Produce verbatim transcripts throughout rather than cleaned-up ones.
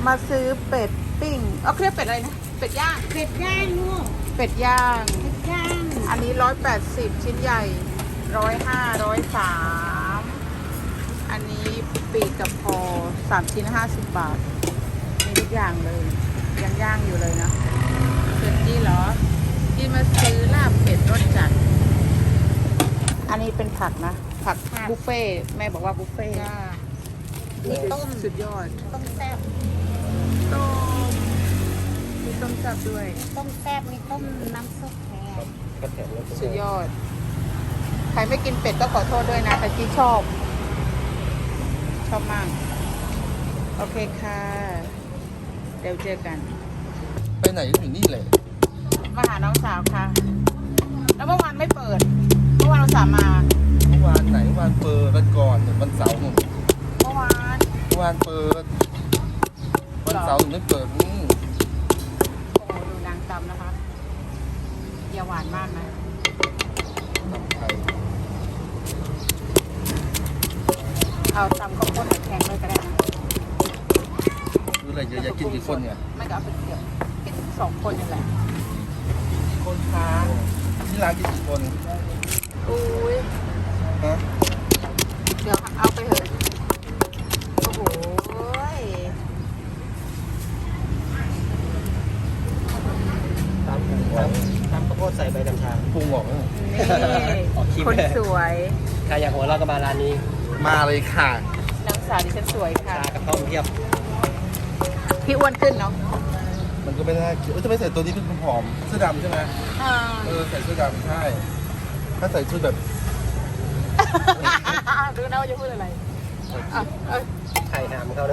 มาซื้อเป็ดปิ้งเอาเรียกเป็ดอะไรนะเป็ดย่างเป็ดย่างลูกเป็ดย่างเป็ดย่างอันนี้ร้อยแปดสิบชิ้นใหญ่ร้อยห้าร้อยสามอันนี้ปีกกับคอสามชิ้นห้าสิบบาทมีทุกอย่างเลยยังย่างอยู่เลยนะส่วนนี้เหรอที่มาซื้อลาบเป็ดรสจัดอันนี้เป็นผักนะผักบุฟเฟ่ต์แม่บอกว่าบุฟเฟ่ต์มีต้มสุดยอดต้มแซ่บต้มมีต้มจับด้วยต้มแซ่บมีต้มน้ำซุปแทนก็แถมแล้วสุดยอด ใครไม่กินเป็ดก็ขอโทษด้วยนะแต่ที่ชอบ ชอบมาก โอเคค่ะ เดี๋ยวเจอกันไปไหนก็อยู่นี่เลยมาหาน้องสาวค่ะ แล้วเมื่อวานไม่เปิด เมื่อวานเราสามมาเมื่อวานไหนเมื่อวานเปิดวันก่อนวันเสาร์หนึ่งเมื่อวานเมื่อวานเปิดวันเสาร์หนึ่งไม่เปิดนี่โอ้โหดูนางตำนะคะอย่าหวานมากนะทำไทยเอาตำข้าวโพดแข็งเลยก็ได้นะดูอะไรเยอะแยะกินกี่คนเนี่ยไม่ก็เอาไปเกี่ยวกินสองคนนี่แหละคนค้าที่ร้านกินกี่คนอุ้ยฮะเดี๋ยวเอาไปเถอะโอ้โหยตามพุงหวังทำข้าวโพดใส่ใบกัญชาพุงหวังนี่ออกคลิปคนเลยสวยใครอยากหัวเราะก็มาร้านนี้มาเลยค่ะนางสาวดิฉันสวยค่ะชากระท่อมเทียบพี่อ้วนขึ้นเนาะมันก็ไม่น่ากินเอ้ยจะไม่ใส่ตัวนี้เป็นผอมเสื้อดำใช่ไหมอ่าเออใส่เสื้อดำใช่ถ้าใส่ชุดแบบดูนะว่าจะพูดอะไรอ่ะเอ้ยไข่หามเขาเลย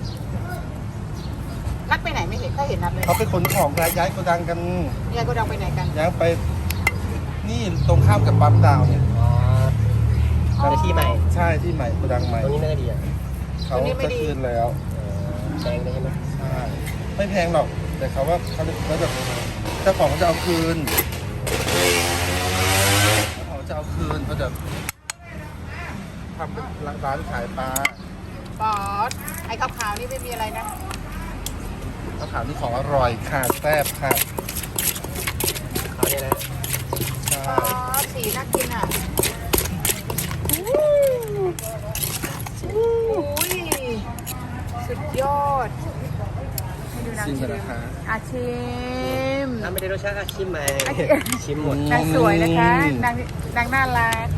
นัดไปไหนไม่เห็นเขาเห็นนัดเลยเขาไปขนของย้ายย้ายโกดังกันยายก็ดังไปไหนกันย้ายไป นี่ตรงข้ามกับปั๊มดาวเนี่ยอ๋อตอนที่ใหม่ใช่ที่ใหม่โกดังใหม่ตรงนี้น่าจะดีอ่ะเขาจะคืนแล้วแดงได้ใช่ไหมใช่ไม่แพงหรอก แต่เขาว่าเขาแล้วแบบเจ้าของเขาจะเอาคืนเขาจะเอาคืนเขาจะทำเป็นร้านขายปลาปอดไอ้ขาวๆนี่ไม่มีอะไรนะเขาขายนี่ของอร่อยค่ะแซ่บค่ะเขาเนี่ยนะใช่ปอดสีน่ากินอ่ะอุ้ยสุดยอดให้ดูนางชิมชิกันมนะคะอาชิมถ้าไม่ได้รสชาติก็ชิมมาชิมหมดนางสวยนะคะนางนางน่ารัก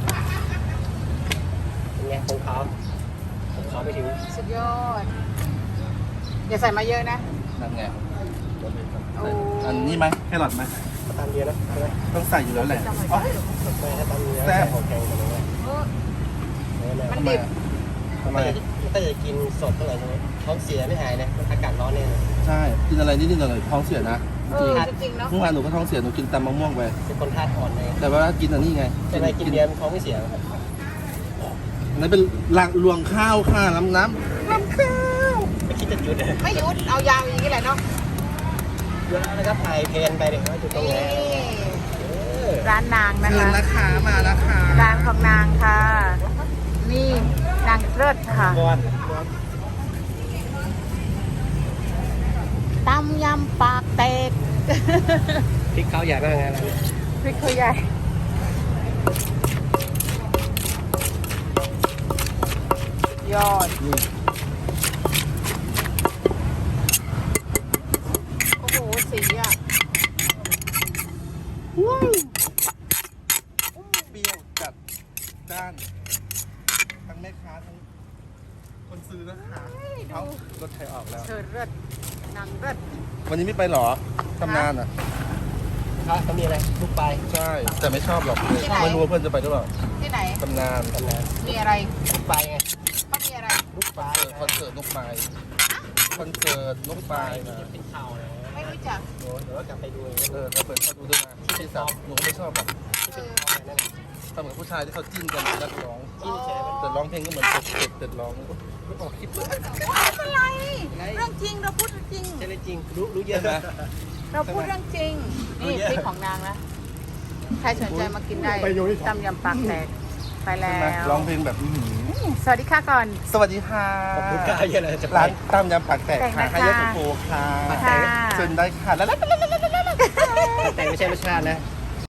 เป็นไงของเขาของเขาไม่ถึงสุดยอด อย่าใส่มาเยอะนะนั่นไงโอ้อันนี้ไหมแครอทไหมตามเดียวนะใช่ไหมต้องใส่อยู่แล้วแหละจำไว้อ๋อไม่ถ้าตามเดียวแซ่บของแข็งกันเลยเออ มันทำไมดิบอะทำไมถ้าจะกินสดเท่าไหร่ใช่ไหมท้องเสียไม่หายนะมันอากาศร้อนเนี่ยใช่กินอะไรนิดๆหน่อยๆท้องเสียนะเออจริงๆเนาะเมื่อวานหนูก็ท้องเสียหนูกินตำมะม่วงไปเป็นคนธาตุอ่อนเลยแต่ว่ากินอันนี้ไงใช่ไหมกินเบียร์มันท้องไม่เสียอันนั้นเป็นลางรวงข้าวค่ะน้ำน้ำน้ำข้าวไม่คิดจะหยุดเลยไม่หยุดเอายาวอย่างนี้แหละเนาะเยอะแล้วก็ถ่ายเพลนไปเลยว่าจุดตรงไหนนี่เออร้านนางนะเชิญคะนะคะมาแล้วค่ะร้านของนางค่ะ นี่นางเลิศค่ะก่อนตำยำปากเตกพริกเขาใหญ่มากนะพริกเขาใหญ่ยอด โอ้โห สีอ่ะเปรี้ยวจัดจ้านทั้งแม่ค้าทั้งคนซื้อนะคะเขารถไถออกแล้วเชิญเลิศนางเลิศวันนี้ไม่ไปหรอทำงานอ่ะครับเขามีอะไรลูกปลายใช่ แต่ไม่ชอบหรอกไม่รู้ว่าเพื่อนจะไปหรือเปล่าที่ไหนทำงานกันนะมีอะไรลูกปลายไงเขามีอะไรลูกปลายคอนเสิร์ตนกไม้คอนเสิร์ตนกปลายนะเป็นข่าวนะไม่รู้จักโอ้เดี๋ยวกลับไปดูเองเออเราเปิดเข้าดูด้วยนะที่สาวหนูก็ไม่ชอบหรอกเออนั่นทำเหมือนผู้ชายที่เขาจิ้นกันนักร้องที่แชร์แต่ร้องเพลงก็เหมือนเต็ดเต็ดเต็ดร้องไม่ออกคลิปเลยไม่เป็นไร เรื่องจริงเราพูดจริงใช่เลยจริงรู้รู้เยอะใช่ไหมนะเราพูดเรื่องจริง นี่พริกของนางนะ ใครสนใจมากินได้ตำยำปากแตกไปแล้ใช่ไหมวร้องเพลงแบบอื้อหือสวัสดีค่ะก่อนสวัสดีค่ะขอบคุณค่ะเยอะเลยจะไปร้านตามยำปากแตกแตกค่ะนะคะให้ยกโกโก้ค่ะค่ะเชิญได้ค่ะแล้วแต่ไม่ใช่รสชาตินะ